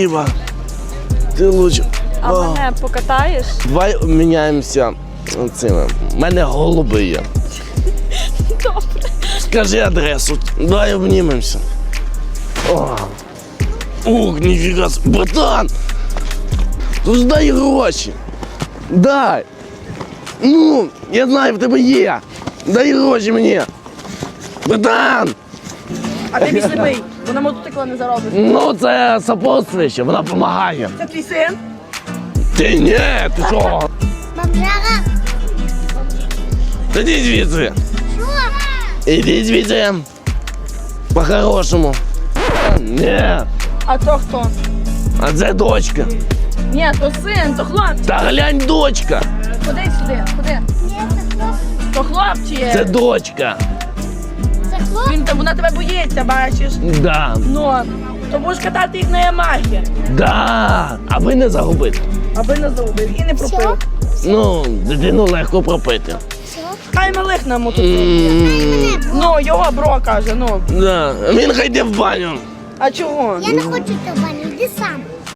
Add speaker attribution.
Speaker 1: спасибо. Ти лучше.
Speaker 2: А мене покатаєш?
Speaker 1: Давай обміняємося цими. У мене голуби є.
Speaker 2: Добре.
Speaker 1: Скажи адресу. Давай обнімемося. Ух, ніфіга. Братан! Ну ж дай гроші. Дай. Ну, я знаю, в тебе є. Дай гроші мені. Братан!
Speaker 3: А ти мій сліпий, бо на мотоцикла не заробиш.
Speaker 1: Ну, це сопутствуюче, вона допомагає.
Speaker 3: Це твій син?
Speaker 1: Ти ні, ти що?
Speaker 4: Бомжара.
Speaker 1: Іди звідси.
Speaker 4: Що?
Speaker 1: Іди звідси. По-хорошому. Ні.
Speaker 3: А то хто?
Speaker 1: А це дочка.
Speaker 3: Ні, то син, то хлопчик.
Speaker 1: Та глянь, дочка.
Speaker 3: Ходи сюди, ходи.
Speaker 4: Ні, це хлоп.
Speaker 3: То хлопчик.
Speaker 1: Це дочка.
Speaker 4: Це хлоп.
Speaker 3: Вона тебе боїться, бачиш.
Speaker 1: Да.
Speaker 3: Ну, то будеш катати їх на Ямахі,
Speaker 1: Да. Аби не загубити.
Speaker 3: аби не загубив і не пропив.
Speaker 4: Що?
Speaker 1: Ну, дитину легко пропити.
Speaker 4: Що?
Speaker 3: Хай малих на мотоциклі. Ну, його бро каже, ну.
Speaker 1: Да. Він хай йде в баню.
Speaker 3: А чого?
Speaker 4: Я не хочу тебе, йди сам.